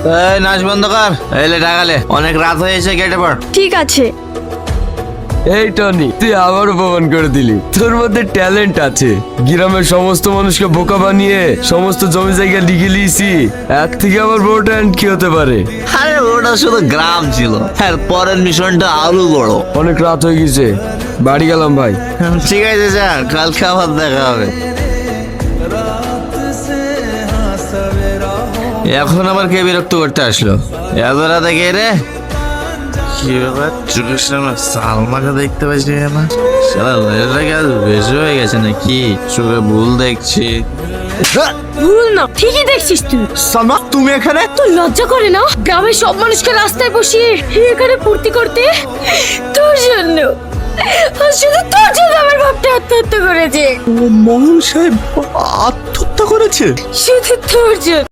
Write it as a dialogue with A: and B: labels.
A: এই নাচ বন্ধ কর, এলে টাকালে অনেক রাত হয়েছে, কেটে পড়।
B: ঠিক আছে।
C: এই টনি, তুই আবারও প্রমাণ করে দিলি তোর মধ্যে ট্যালেন্ট আছে। গ্রামের সমস্ত মানুষকে বোকা বানিয়ে সমস্ত জমি জায়গা লিখে লিয়েছি, এর থেকে আবার বড় ট্যালেন্ট কি হতে পারে?
A: আরে ওটা শুধু গ্রাম ছিল, আর পরের মিশনটা আরো বড়।
C: অনেক রাত হয়ে গেছে, বাড়ি গেলাম ভাই।
A: ঠিক আছে যা, কালকে আবার দেখা হবে। এখন আবার কে বিরক্ত করতে আসলো এত রাতে? কে রে? কি ব্যাপার, চোখের সামনে সালমাকে দেখতে পাচ্ছি না? সারা মেয়েটাকে আজ বেশি হয়ে গেছে নাকি? চোখে ভুল দেখছি।
B: ভুল না, ঠিকই দেখছিস তুই।
A: সালমা, তুমি এখানে?
B: তোর লজ্জা করে না গ্রামের সব মানুষকে রাস্তায় বসিয়ে এখানে ফুর্তি করতে? তোর জন্য, আর শুধু তোর জন্য আমার বাপটা আত্মহত্যা করেছে।
A: মোহন সাহেব আত্মহত্যা করেছে?
B: শুধু তোর জন্য।